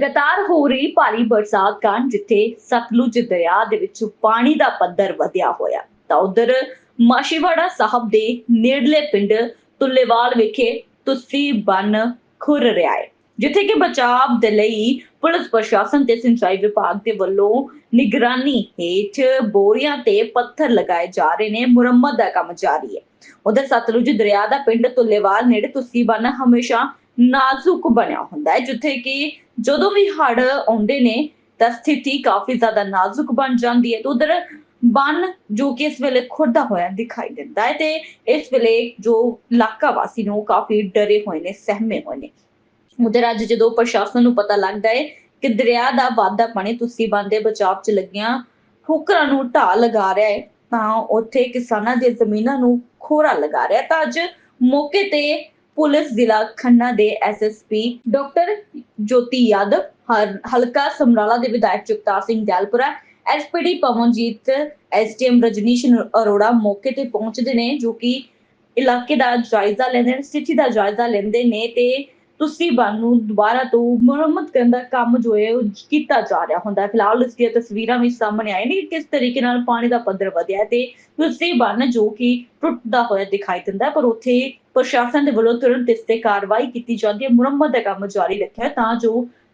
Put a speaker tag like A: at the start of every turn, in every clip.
A: लगातार हो रही भारी बरसात कारण जिथे सतलुज दरिया दे विच पानी दा पद्धर वधिया होया तां उधर माछीवाड़ा साहब दे नेड़ले पिंड तुल्लेवाल विखे तुस्सी बन खुर रहा है जिथे कि बचाव दे लई पुलिस प्रशासन ते सिंचाई विभाग दे वल्लों निगरानी हेठ बोरियां ते पत्थर लगाए जा रहे ने। मुरम्मत दा काम जारी है। उधर सतलुज दरिया दा पिंड तुल्लेवाल नेड़े तुस्सी बन हमेशा नाजुक बनया हुंदा है जिथे कि ਜਦੋਂ ਵੀ ਹੜ ਆਉਂਦੇ ਨੇ ਤਾਂ ਸਥਿਤੀ ਕਾਫੀ ਜ਼ਿਆਦਾ ਨਾਜ਼ੁਕ ਬਣ ਜਾਂਦੀ ਹੈ। ਤੇ ਉਧਰ ਬੰਨ ਜੋ ਕਿ ਇਸ ਵੇਲੇ ਖੁਰਦਾ ਹੋਇਆ ਦਿਖਾਈ ਦਿੰਦਾ ਹੈ ਤੇ ਇਸ ਵੇਲੇ ਜੋ ਇਲਾਕਾ ਵਾਸੀ ਨੂੰ ਕਾਫੀ ਡਰੇ ਹੋਏ ਨੇ, ਸਹਿਮੇ ਹੋਏ ਨੇ। ਉਧਰ ਅੱਜ ਜਦੋਂ ਪ੍ਰਸ਼ਾਸਨ ਨੂੰ ਪਤਾ ਲੱਗਦਾ ਹੈ ਕਿ ਦਰਿਆ ਦਾ ਵਾਧਾ ਪਾਣੀ ਤੁਸੀਂ ਬੰਨ ਦੇ ਬਚਾਅ 'ਚ ਲੱਗੀਆਂ ਠੋਕਰਾਂ ਨੂੰ ਢਾਹ ਲਗਾ ਰਿਹਾ ਹੈ ਤਾਂ ਉੱਥੇ ਕਿਸਾਨਾਂ ਦੀਆਂ ਜ਼ਮੀਨਾਂ ਨੂੰ ਖੋਰਾ ਲਗਾ ਰਿਹਾ। ਤਾਂ ਅੱਜ ਮੌਕੇ ਤੇ पुलिस जिला खन्ना दे SSP डॉक्टर ज्योति यादव हल्का समराला दे विधायक जगतार सिंह दयालपुरा SPD पवनजीत SDM रजनीश अरोड़ा मौके ते पहुंचदे ने जो कि इलाके दा जायजा लेंदे ने, स्थिति दा जायजा लेंदे ने ते तुस्सी बन नूं दोबारा तो मुरम्मत करन दा काम जो है कीता जा रहा हुंदा है। फिलहाल इसकी तस्वीरां भी सामने आई ने कि किस तरीके नाल पानी दा पद्धर वधिया है ते तुस्सी बन जो कि टुटदा होया दिखाई दिंदा है पर उत्थे प्रशासन दे वल्लों तुरंत इस ते कार्रवाई कीती जांदी है। मुरम्मत दा काम जारी रखिया तां जो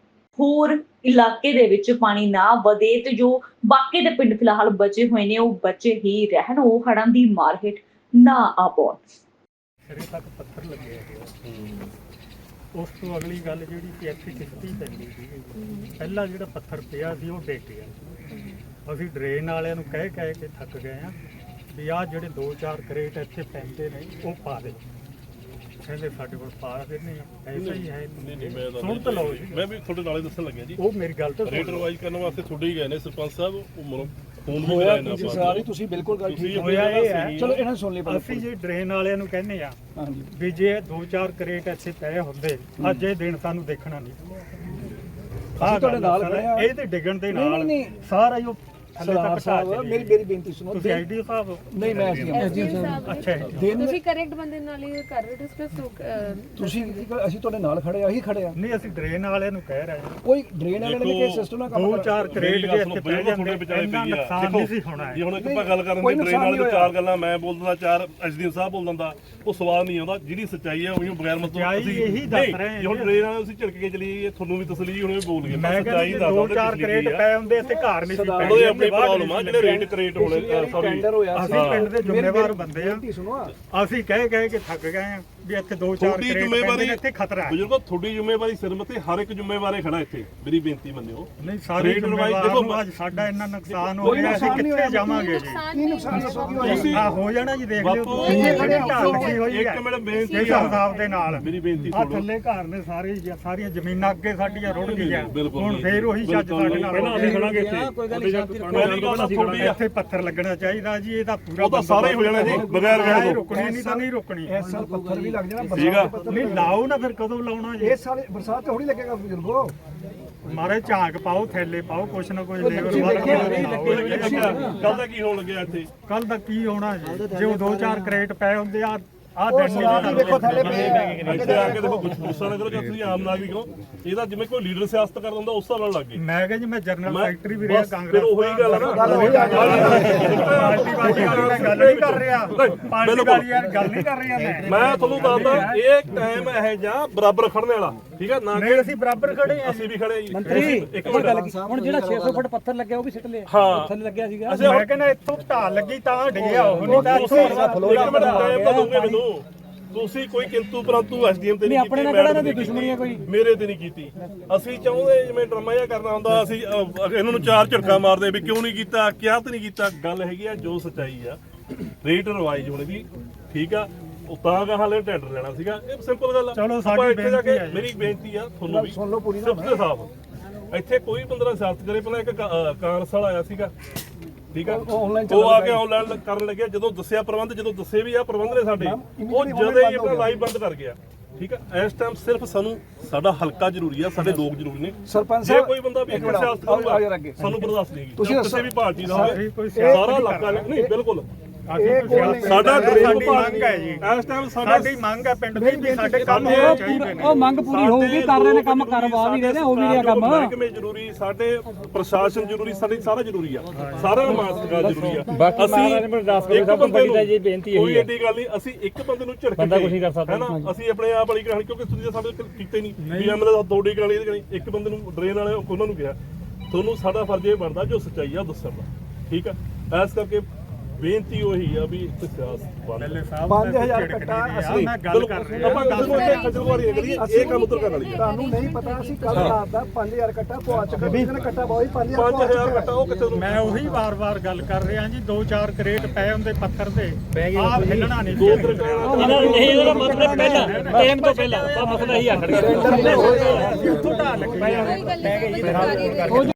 A: होर इलाके दे विच पानी ना वधे ते जो बाकी दे पिंड फिलहाल बचे हुए ने ओह बचे ही रहन, ओह हड़ां दी मार हेठ ना आ पाउण।
B: सिरे तक पत्थर लगे है। उस तो अगली गल जी इत्थे किश्ती पैंदी सी, पहला जो पत्थर पिया सी वो डिग गया। असीं ड्रेन वालियां नूं कह के थक गए हैं भी आ जिहड़े 2-4 करेट इत्थे पैंदे ने वो पा दे। कहंदे साडे कोल पा दिंदे आ, ऐसा ही है। सुन तो लो जी,
C: मैं भी थोड़े नाले दसन लग्या जी।
B: वो मेरी गल तो
C: रेट रिवाइज करने वास्ते थोड़े ही गए ने सरपंच साहब। वो फोन भी
D: ਹੋਇਆ
C: कराए
D: ਤੁਸੀਂ
C: ना
D: ਸਾਰੀ ਤੁਸੀਂ ਬਿਲਕੁਲ ਗੱਲ ਠੀਕ
B: ਹੋਇਆ ਇਹ ਹੈ।
D: ਚਲੋ ਇਹਨਾਂ ਸੁਣ ਲਈ
B: ਅਸੀਂ ਜੇ ਡਰੇਨ ਵਾਲਿਆਂ ਨੂੰ ਕਹਿੰਦੇ ਆ
D: ਹਾਂਜੀ
B: ਵੀ ਜੇ 2-4 ਕਰੇਟ ਇੱਥੇ ਪਏ ਹੁੰਦੇ ਅੱਜ ਇਹ ਦਿਨ ਸਾਨੂੰ ਦੇਖਣਾ ਨਹੀਂ।
D: ਅਸੀਂ ਤੁਹਾਡੇ ਨਾਲ ਖੜੇ ਆ।
B: ਇਹ ਤੇ ਡਿੱਗਣ ਦੇ ਨਾਲ
D: ਨਹੀਂ।
B: ਸਾਰਾ ਹੀ ਉਹ ਥੱਲੇ
D: ਸਰਦਾਰ
B: ਤੱਕ
D: ਸਾਹਿਬ ਮੇਰੀ ਬੇਨਤੀ ਸੁਣੋ।
B: ਤੁਸੀਂ ਆਈਡੀ ਸਾਹਿਬ
D: ਨਹੀਂ ਮੈਂ ਐਸਡੀਐਮ
B: ਅੱਛਾ
D: ਦਿਨ
E: ਤੁਸੀਂ ਕਰੈਕਟ ਬੰਦੇ ਨਾਲ ਹੀ ਕਰ ਰਹੇ ਡਿਸਕਸ
D: ਤੁਸੀਂ ਅਸੀਂ ਤੁਹਾਡੇ ਨਾਲ ਖੜੇ ਆ, ਅਸੀਂ ਖੜੇ ਆ।
B: ਨਹੀਂ ਅਸੀਂ ਡਰੇਨ ਵਾਲਿਆਂ ਨੂੰ ਕਹਿ ਰਹੇ ਹਾਂ
D: ਕੋਈ ਡਰੇਨ ਵਾਲੇ ਨੇ ਕਿ ਸਿਸਟਮ ਨਾਲ ਕੰਮ
B: 2-4 ਕਰੇਟ ਜੇ ਇੱਥੇ ਪੈ ਜਾਂਦੇ
C: ਵਿਚਾਲੇ
B: ਇੰਨਾ
C: ਪਈ ਆ।
B: ਨੁਕਸਾਨ ਨਹੀਂ ਸੀ ਹੋਣਾ
C: ਜੇ ਹੁਣ ਇੱਕ ਆਪਾਂ ਗੱਲ ਕਰਨ
D: ਕੋਈ
C: ਦੀ ਟ੍ਰੇਨ
D: ਨੁਕਸਾਨ
C: ਵਾਲੇ
D: ਨਹੀਂ
C: ਤੋਂ 4 ਗੱਲਾਂ ਮੈਂ ਬੋਲ ਦਿੰਦਾ, 4 ਐਸਡੀਐਮ ਸਾਹਿਬ ਬੋਲ ਦਿੰਦਾ, ਉਹ ਸਵਾਲ ਨਹੀਂ ਆਉਂਦਾ। ਜਿਹੜੀ ਸੱਚਾਈ ਹੈ ਉਹੀ ਬਗੈਰ ਮਤਲਬ
B: ਸੱਚਾਈ ਇਹੀ ਦੱਸ ਰਹੇ ਹਾਂ।
C: ਜੇ ਹੁਣ ਟ੍ਰੇਨ ਵਾਲੇ ਤੁਸੀਂ ਝਿੜਕ ਕੇ ਚਲੀਏ ਤੁਹਾਨੂੰ ਵੀ ਤਸਲੀ ਹੁਣ ਵੀ ਬੋਲ ਗਏ।
B: ਮੈਂ ਕਹਿੰਦਾ 2-4 ਕਰੇਟ ਪਏ ਹੁੰਦੇ ਇੱਥੇ ਘਰ ਨਹੀਂ ਸੀ
C: ਉਹਦੇ ਆਪਣੀ ਪ੍ਰੋਬਲਮ ਆ ਜਿਹੜੇ ਰੇਟ ਕਰੇਟ ਹੋਣੇ ਸੌਰੀ
D: ਟੈਂਡਰ ਹੋਇਆ
B: ਅਸੀਂ ਪਿੰਡ ਦੇ ਜ਼ਿੰਮੇਵਾਰ ਬੰਦੇ ਆ।
D: ਬੇਨਤੀ ਸੁਣੋ
B: ਅਸੀਂ ਕਹਿ ਕੇ ਥੱਕ ਗਏ ਆ ਵੀ ਇੱਥੇ 2-4
C: ਤੁਹਾਡੀ
B: ਕਰੇਟ
C: ਜ਼ਿੰਮੇਵਾਰੀ
B: ਇੱਥੇ ਖਤਰਾ ਹੈ।
C: ਬਜ਼ੁਰਗੋ ਤੁਹਾਡੀ ਜ਼ਿੰਮੇਵਾਰੀ ਸਿਰ ਮੱਥੇ ਹਰ ਇੱਕ ਜ਼ਿੰਮੇਵਾਰੇ ਖੜਾ ਇੱਥੇ। ਮੇਰੀ ਬੇਨਤੀ ਮੰਨਿਓ।
B: ਨਹੀਂ ਸਾਰੇ ਦੇਖੋ ਅੱਜ ਸਾਡਾ ਇੰਨਾ ਨੁਕਸਾਨ ਹੋ ਰਿਹਾ ਅਸੀਂ ਕਿੱਥੇ ਜਾਵਾਂਗੇ ਜੀ।
D: ਕੀ ਨੁਕਸਾਨ ਦੱਸੋ ਕੀ ਹੋਇਆ?
B: ਆ ਹੋ ਜਾਣਾ ਜੀ ਦੇਖ ਲਿਓ
C: ਬਾਪੂ,
B: ਕਿੰਨੀ ਖੜੀ ਢਾਲ ਲੱਗੀ ਹੋਈ
C: ਇੱਕ
B: ਹੈ
C: ਮਿੰਟ ਬੇਨਤੀ
B: ਇਸ ਹਿਸਾਬ ਦੇ ਨਾਲ।
C: ਮੇਰੀ ਬੇਨਤੀ
B: ਆ
C: ਸੁਣੋ।
B: ਥੱਲੇ ਘਰ ਨੇ ਸਾਰੀਆਂ ਜ਼ਮੀਨਾਂ ਅੱਗੇ ਸਾਡੀਆਂ ਰੁੜ ਗਈਆਂ।
C: ਬਿਲਕੁਲ
B: ਹੁਣ ਫੇਰ ਉਹੀ ਛੱਜ ਸਾਡੇ ਨਾਲ
C: ਪਹਿਲਾਂ ਅਸੀਂ ਖੜਾਂਗੇ ਇੱਥੇ। ਪਹਿਲੀ ਗੱਲ ਤਾਂ ਤੁਹਾਡੀ ਆ।
B: ਇੱਥੇ ਪੱਥਰ ਲੱਗਣਾ ਚਾਹੀਦਾ ਜੀ। ਇਹਦਾ ਪੂਰਾ
C: ਉਹ ਤਾਂ ਸਾਰਾ ਹੀ ਹੋ ਜਾਣਾ ਜੀ ਬਗੈਰ ਵਿਆਹ ਤੋਂ।
B: ਰੁਕਣੀ ਨਹੀਂ ਤਾਂ ਨਹੀਂ ਰੁਕਣੀ।
D: ਇਸ ਸਾਲ ਪੱਥਰ ਵੀ ਲੱਗ ਜਾਣਾ।
C: ਠੀਕ ਆ।
B: ਨਹੀਂ ਲਾਓ ਨਾ ਫਿਰ ਕਦੋਂ ਲਾਉਣਾ ਜੀ।
D: ਇਸ ਸਾਲ ਬਰਸਾਤ ਥੋੜੀ ਲੱਗੇਗਾ ਬਜ਼ੁਰਗੋ।
B: ਮਾਰੇ ਝਾਂਕ ਪਾਓ, ਥੈਲੇ ਪਾਓ, ਕੁਛ ਨਾ ਕੁਛ ਲੇਬਰ
D: ਤੁਸੀਂ
B: ਵਾਲਾ
C: ਕੱਲ ਦਾ ਕੀ ਹੋਣ ਲੱਗਿਆ ਇੱਥੇ?
B: ਕੱਲ ਦਾ ਕੀ ਹੋਣਾ ਜੀ ਜੇ ਉਹ 2-4 ਕਰੇਟ ਪਏ ਹੁੰਦੇ ਆ
D: ਸਵਾਲ ਹੀ ਦੇਖੋ ਥੱਲੇ ਪਏ ਆ।
C: ਇੱਥੇ ਆ ਕੇ ਦੇਖੋ ਕੁਝ ਗੁੱਸਾ ਨਾ ਕਰੋ ਜੇ ਤੁਸੀਂ ਆਮ ਨਾਗਰਿਕ ਹੋ। ਇਹਦਾ ਜਿਵੇਂ ਕੋਈ ਲੀਡਰ ਸਿਆਸਤ ਕਰਦਾ ਹੁੰਦਾ ਉਸ ਹਿਸਾਬ ਨਾਲ ਲੱਗ ਗਏ।
B: ਮੈਂ ਕਿਹਾ ਜੀ ਮੈਂ ਜਨਰਲ ਸੈਕਟਰੀ ਵੀ ਰਿਹਾ
C: ਬਸ
B: ਕਾਂਗਰਸ।
C: ਫਿਰ ਉਹੀ ਗੱਲ ਆ ਨਾ।
D: ਗੱਲ ਹੋਈ ਆ
B: ਪਾਰਟੀ ਵਾਲੀ ਗੱਲ ਨਹੀਂ ਕਰ ਰਿਹਾ। ਪਾਰਟੀ ਵਾਲੀ ਯਾਰ ਗੱਲ ਨਹੀਂ ਕਰ ਰਿਹਾ
C: ਮੈਂ ਤੁਹਾਨੂੰ ਦੱਸਦਾ ਇਹ ਟਾਈਮ ਇਹ ਜਾਂ ਬਰਾਬਰ ਖੜਨੇ ਵਾਲਾ। ਠੀਕ ਹੈ ਨਾ
B: ਨਹੀਂ ਅਸੀਂ ਬਰਾਬਰ ਖੜੇ ਆ।
C: ਅਸੀਂ ਵੀ ਖੜੇ ਜੀ।
D: ਮੰਤਰੀ
C: ਇੱਕ ਮਿੰਟ
D: ਹੁਣ ਜਿਹੜਾ 600 ਫੁੱਟ ਪੱਥਰ ਲੱਗਿਆ ਉਹ ਵੀ ਸਿੱਟ ਲਿਆ।
C: ਹਾਂ
D: ਥੱਲੇ ਲੱਗਿਆ ਸੀਗਾ।
B: ਮੈਂ ਕਹਿੰਦਾ ਇੱਥੋਂ ਢਾਲ ਲੱਗੀ ਤਾਂ ਡਿੱਗਿਆ ਉਹ ਨਹੀਂ ਤਾਂ
C: ਤੁਸੀਂ ਇੱਕ ਮਿੰਟ ਟਾਈਮ ਤਾਂ ਦੋਗੇ ਮੈਨੂੰ। ਤੁਸੀਂ ਕੋਈ ਕਿੰਤੂ ਪਰੰਤੂ ਐਸਡੀਐਮ ਤੇ ਨਹੀਂ ਕੀਤੀ।
D: ਆਪਣੇ ਨਾਲ ਕਿਹੜਾ ਇਹਨਾਂ ਦੀ ਦੁਸ਼ਮਣੀ ਹੈ ਕੋਈ?
C: ਮੇਰੇ ਤੇ ਨਹੀਂ ਕੀਤੀ। ਅਸੀਂ ਚਾਹੁੰਦੇ ਜਿਵੇਂ ਡਰਾਮਾ ਜਿਹਾ ਕਰਨਾ ਹੁੰਦਾ ਅਸੀਂ ਇਹਨਾਂ ਨੂੰ 4 ਝਟਕਾ ਮਾਰਦੇ ਵੀ ਕਿਉਂ ਨਹੀਂ ਕੀਤਾ, ਕਿਹਾ ਤੇ ਨਹੀਂ ਕੀਤਾ। ਗੱਲ ਹੈਗੀ ਆ ਜੋ ਸੱਚਾਈ ਆ। ਰੇਟ ਰਿਵਾਈਜ਼ ਹੋਣੀ ਵੀ ਠੀਕ ਆ। ਉਹ ਤਾਂ ਕਹਾਂ ਲੈ ਟੈਂਡਰ ਲੈਣਾ ਸੀਗਾ। ਇਹ ਸਿੰਪਲ ਗੱਲ ਆ।
B: ਚਲੋ ਸਾਡੀ
C: ਆਪਾਂ ਇੱਥੇ ਜਾ ਕੇ
B: ਬੇਨਤੀ ਆ।
C: ਮੇਰੀ ਬੇਨਤੀ ਆ ਤੁਹਾਨੂੰ ਵੀ
D: ਸੁਣ ਲਓ ਪੂਰੀ ਨਾ।
C: ਸਿਰਫ ਤੇ ਸਾਫ ਇੱਥੇ ਕੋਈ ਬੰਦਾ ਸਿਆਸਤ ਕਰੇ। ਪਹਿਲਾਂ ਇੱਕ ਕਾਂਗਰਸ ਵਾਲਾ ਆਇਆ ਸੀਗਾ। ਠੀਕ ਆ ਉਹ ਆ ਕੇ ਆਨਲਾਈਨ ਕਰਨ ਲੱਗਿਆ। ਜਦੋਂ ਦੱਸਿਆ ਪ੍ਰਬੰਧ, ਜਦੋਂ ਦੱਸੇ ਵੀ ਆ ਪ੍ਰਬੰਧ ਨੇ ਸਾਡੇ, ਉਹ ਜਦੋਂ ਹੀ ਆਪਣਾ ਲਾਈਵ ਬੰਦ ਕਰ ਗਿਆ। ਠੀਕ ਆ ਇਸ ਟਾਈਮ ਸਿਰਫ ਸਾਨੂੰ ਸਾਡਾ ਹਲਕਾ ਜ਼ਰੂਰੀ ਆ, ਸਾਡੇ ਲੋਕ ਜ਼ਰੂਰੀ ਨੇ।
D: ਸਰਪੰਚ
C: ਜੇ
D: ਸਾਹਿਬ
C: ਕੋਈ ਬੰਦਾ ਵੀ
D: ਇੱਕ ਮਿੰਟ
C: ਸਿਆਸਤ
D: ਆਓ
C: ਕਰੂਗਾ
D: ਯਾਰ ਅੱਗੇ।
C: ਸਾਨੂੰ ਬਰਦਾਸ਼ਤ ਨਹੀਂ।
D: ਤੁਸੀਂ
C: ਕਿਸੇ ਵੀ ਪਾਰਟੀ ਦਾ ਹੋਵੇ
B: ਕੋਈ
C: ਸਾਰਾ ਇਲਾਕਾ ਨਹੀਂ ਬਿਲਕੁਲ ਸਾਡਾ ਡਰੇਨ
B: ਸਾਡੀ
C: ਵਿਭਾਗ
B: ਮੰਗ ਹੈ ਜੀ
C: ਇਸ ਟਾਈਮ
B: ਸਾਡੀ ਮੰਗ ਹੈ ਪਿੰਡ ਦੀ ਵੀ ਸਾਡੇ ਕੰਮ ਹੋਣੇ ਚਾਹੀਦੇ ਨੇ।
D: ਉਹ ਮੰਗ ਪੂਰੀ ਹੋਊਗੀ, ਕਰ ਰਹੇ ਨੇ ਕੰਮ, ਕਰਵਾ ਵੀ ਰਹੇ ਨੇ, ਹੋ ਵੀ ਰਿਹਾ ਕੰਮ।
C: ਮਹਿਕਮੇ ਜ਼ਰੂਰੀ, ਸਾਡੇ ਪ੍ਰਸ਼ਾਸਨ ਜ਼ਰੂਰੀ, ਸਾਡੇ ਸਾਰਾ ਜ਼ਰੂਰੀ ਆ, ਸਾਰਾ ਮਾਸਕਾ ਜ਼ਰੂਰੀ ਆ। ਅਸੀਂ ਇੱਕ ਬੰਦੇ ਨੂੰ ਕੋਈ ਏਡੀ ਗੱਲ ਨਹੀਂ, ਅਸੀਂ ਇੱਕ ਬੰਦੇ ਨੂੰ ਝਿੜਕ ਕੇ ਹੈ ਨਾ ਅਸੀਂ ਆਪਣੇ ਆਪ ਵਾਲੀ ਕਹਾਣੀ, ਕਿਉਂਕਿ ਤੁਸੀਂ ਤਾਂ ਸਾਡੇ ਕੀਤੇ ਨਹੀਂ ਵੀ ਐਮਐਲਏ ਤੁਹਾਡੀ ਕਹਾਣੀ ਇਹਦੀ ਕਹਾਣੀ, ਇੱਕ ਬੰਦੇ ਨੂੰ ਡਰੇਨ ਵਾਲੇ ਉਹਨਾਂ ਨੂੰ ਕਿਹਾ ਤੁਹਾਨੂੰ ਸਾਡਾ ਫਰਜ਼ ਇਹ ਬਣਦਾ ਜੋ ਸੱਚਾਈ ਆ ਦੱਸਣ ਦਾ, ਠੀਕ ਆ। ਇਸ ਕਰਕੇ ਬੇਨਤੀ ਉਹੀ ਆ ਵੀ ਇੱਕ ਸਿਆਸਤ ਬੰਦ
B: 5000 ਕੱਟਾ ਅਸੀਂ ਗੱਲ ਕਰ ਰਹੇ
C: ਆਪਾਂ ਕਿਸੇ ਨੂੰ ਇੱਥੇ ਖਜਲਵਾਰੀ ਨਾ ਕਰੀਏ, ਇਹ ਕੰਮ ਉਧਰ ਕਰਨ ਵਾਲੀ ਹੈ।
F: ਤੁਹਾਨੂੰ ਨਹੀਂ ਪਤਾ ਅਸੀਂ ਕੱਲ ਰਾਤ ਦਾ 5000 ਕੱਟਾ ਪਵਾ ਚੁੱਕੇ, ਕਿਸੇ ਨੇ ਕੱਟਾ ਬਹੁਤ
C: 5000 ਕੱਟਾ ਉਹ ਕਿੱਥੇ ਨੂੰ
B: ਮੈਂ ਉਹੀ ਵਾਰ-ਵਾਰ ਗੱਲ ਕਰ ਰਿਹਾ ਜੀ, 2-4 ਕਰੇਟ ਪਏ ਹੁੰਦੇ ਪੱਥਰ ਦੇ ਆਹ ਹਿੱਲਣਾ ਨਹੀਂ
C: ਦੋ ਤਰ੍ਹਾਂ
D: ਨਹੀਂ, ਇਹਦਾ ਮਤਲਬ ਪਹਿਲਾਂ ਟਾਈਮ ਤੋਂ ਪਹਿਲਾਂ ਮਸਲਾ ਹੀ ਆਖੜ ਗਿਆ।
B: ਉੱਥੋਂ ਢਾਹ ਲੱਗੇ
E: ਕੋਈ ਗੱਲ ਨਹੀਂ, ਸਰਕਾਰੀ